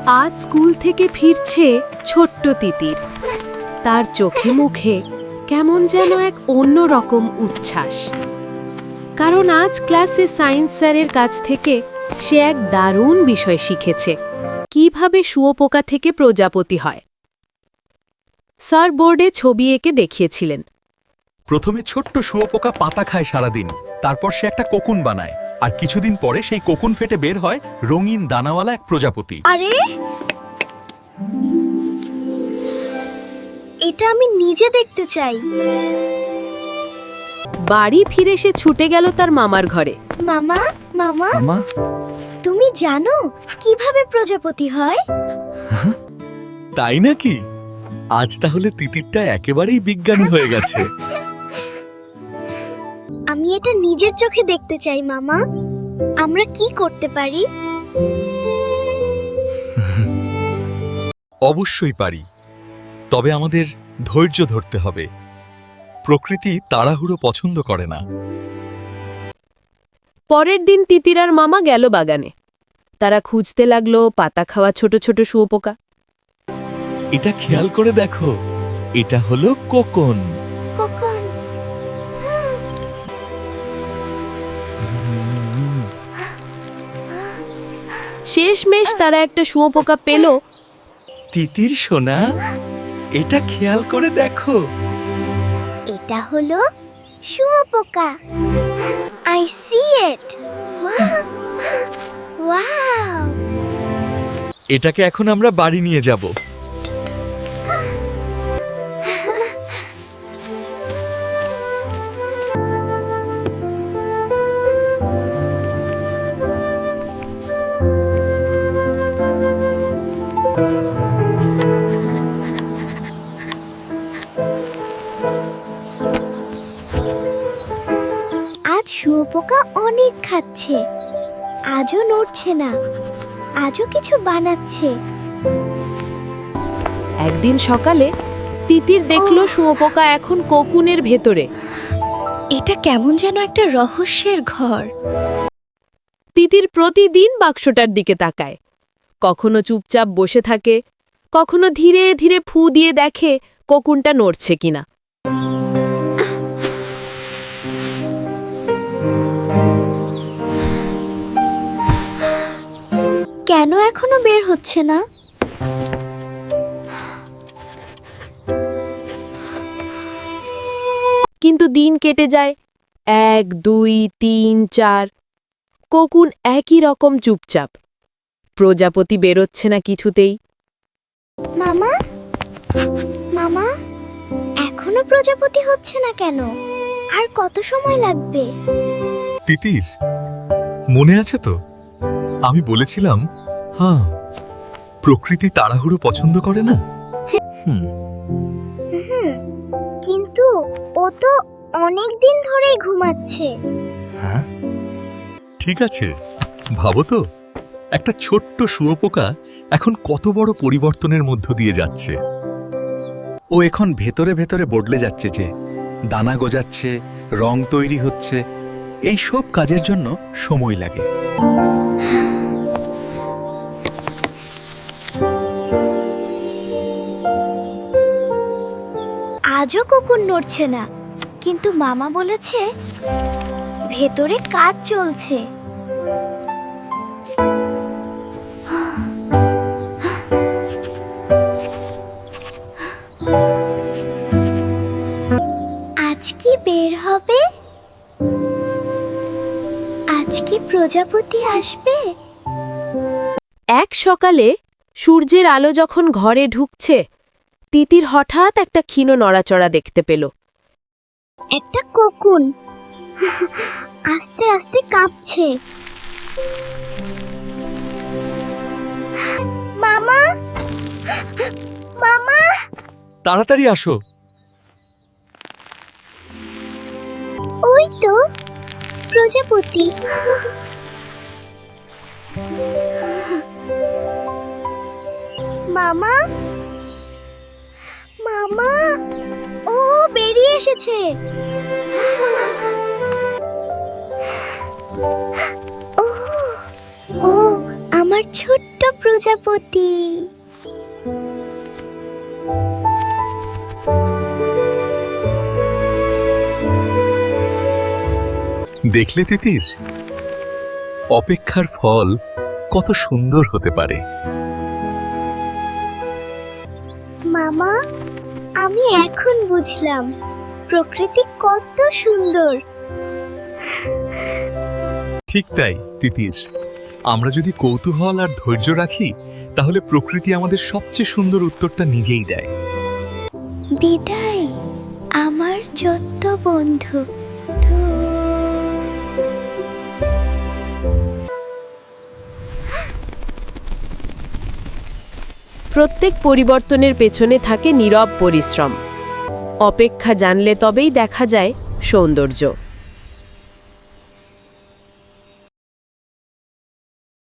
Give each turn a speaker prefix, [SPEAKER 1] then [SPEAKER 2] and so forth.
[SPEAKER 1] আজ স্কুল থেকে ফিরছে ছোট্ট তিতির। তার চোখে মুখে কেমন যেন এক অন্য রকম উচ্ছ্বাস, কারণ আজ ক্লাসে সায়েন্স স্যারের কাছ থেকে সে এক দারুণ বিষয় শিখেছে, কিভাবে শুঁয়োপোকা থেকে প্রজাপতি হয়। স্যার বোর্ডে ছবি এঁকে দেখিয়েছিলেন।
[SPEAKER 2] প্রথমে ছোট্ট শুঁয়োপোকা পাতা খায় সারাদিন, তারপর সে একটা কোকুন বানায়, আর কিছুদিন পরে সেই কোকুন ফেটে বের হয় রঙিন দানাওয়ালা এক প্রজাপতি।
[SPEAKER 3] আরে, এটা আমি নিজে দেখতে চাই।
[SPEAKER 1] বাড়ি ফিরে সে ছুটে গেল তার মামার ঘরে।
[SPEAKER 3] মামা, মামা,
[SPEAKER 2] মামা,
[SPEAKER 3] তুমি জানো কিভাবে প্রজাপতি হয়?
[SPEAKER 2] তাই নাকি? আজ তাহলে তিতিরটা একেবারেই বিজ্ঞানী হয়ে গেছে।
[SPEAKER 3] আমি এটা নিজের চোখে দেখতে চাই মামা। আমরা কি করতে পারি?
[SPEAKER 2] অবশ্যই পারি, তবে আমাদের ধৈর্য ধরতে হবে। প্রকৃতি তাড়াহুড়ো পছন্দ করে না।
[SPEAKER 1] পরের দিন তিতির আর মামা গেল বাগানে। তারা খুঁজতে লাগলো পাতা খাওয়া ছোট ছোট শুঁয়োপোকা।
[SPEAKER 2] এটা খেয়াল করে দেখো, এটা হলো কোকন।
[SPEAKER 3] কখন?
[SPEAKER 1] শেষমেশ তারা একটা শুঁয়োপোকা পেল।
[SPEAKER 2] তিতির সোনা, এটা খেয়াল করে দেখো।
[SPEAKER 3] এটা হলো শুঁয়োপোকা। I see it. ওয়াও!
[SPEAKER 2] এটাকে এখন আমরা বাড়ি নিয়ে যাব।
[SPEAKER 3] আজ শুঁয়োপোকা অনেক খাচ্ছে, আজও নড়ছে না, আজও কিছু বানাচ্ছে।
[SPEAKER 1] একদিন সকালে তিতির দেখল শুঁয়োপোকা এখন কোকুনের ভেতরে।
[SPEAKER 3] এটা কেমন যেন একটা রহস্যের ঘর।
[SPEAKER 1] তিতির প্রতিদিন বাক্সটার দিকে তাকায়। কখনো চুপচাপ বসে থাকে, কখনো ধীরে ধীরে ফু দিয়ে দেখে কোকুনটা নড়ছে কিনা।
[SPEAKER 3] কেন এখনো বের হচ্ছে না?
[SPEAKER 1] কিন্তু দিন কেটে যায়, 1, 2, 3, 4। কোকুন একই রকম চুপচাপ। প্রজাপতি বেরোচ্ছে না কিছুতেই।
[SPEAKER 3] মামা, মামা, এখনো প্রজাপতি হচ্ছে না কেন? আর কত সময় লাগবে?
[SPEAKER 2] তিতির, মনে আছে তো আমি বলেছিলাম, হ্যাঁ, প্রকৃতি তাড়াহুড়ো পছন্দ করে না।
[SPEAKER 3] হুম, কিন্তু ও তো অনেক দিন ধরেই ঘুমাচ্ছে।
[SPEAKER 2] হ্যাঁ, ঠিক আছে, ভাবো তো, একটা ছোট্ট শুঁয়োপোকা এখন কত বড় পরিবর্তনের মধ্য দিয়ে যাচ্ছে। ও এখন ভেতরে ভেতরে বদলে যাচ্ছে, যে দানা গজাচ্ছে, রং তৈরি হচ্ছে। এই সব কাজের জন্য সময় লাগে।
[SPEAKER 3] আজও কোকুন নড়ছে না, কিন্তু মামা বলেছে ভেতরে কাজ চলছে। আজ কি বের হবে? আজ কি প্রজাপতি আসবে?
[SPEAKER 1] এক সকালে সূর্যের আলো যখন ঘরে ঢুকছে, তিতির হঠাৎ একটা ক্ষীণ নড়াচড়া দেখতে পেল।
[SPEAKER 3] একটা কোকুন আস্তে আস্তে কাঁপছে। মামা, মামা,
[SPEAKER 2] তাড়াতাড়ি আসো।
[SPEAKER 3] ওই তো প্রজাপতি। মামা, মামা, ও বেরিয়ে এসেছে। ও, ও আমার ছোট্ট প্রজাপতি।
[SPEAKER 2] দেখলে তিতির, অপেক্ষার ফল কত সুন্দর হতে পারে।
[SPEAKER 3] মামা, আমি এখন বুঝলাম প্রকৃতি কত সুন্দর।
[SPEAKER 2] ঠিক তাই তিতির, আমরা যদি কৌতূহল আর ধৈর্য রাখি তাহলে প্রকৃতি আমাদের সবচেয়ে সুন্দর উত্তরটা নিজেই দেয়।
[SPEAKER 3] বিদায় আমার যত বন্ধু।
[SPEAKER 1] প্রত্যেক পরিবর্তনের পেছনে থাকে নীরব পরিশ্রম। অপেক্ষা জানলে তবেই দেখা যায় সৌন্দর্য।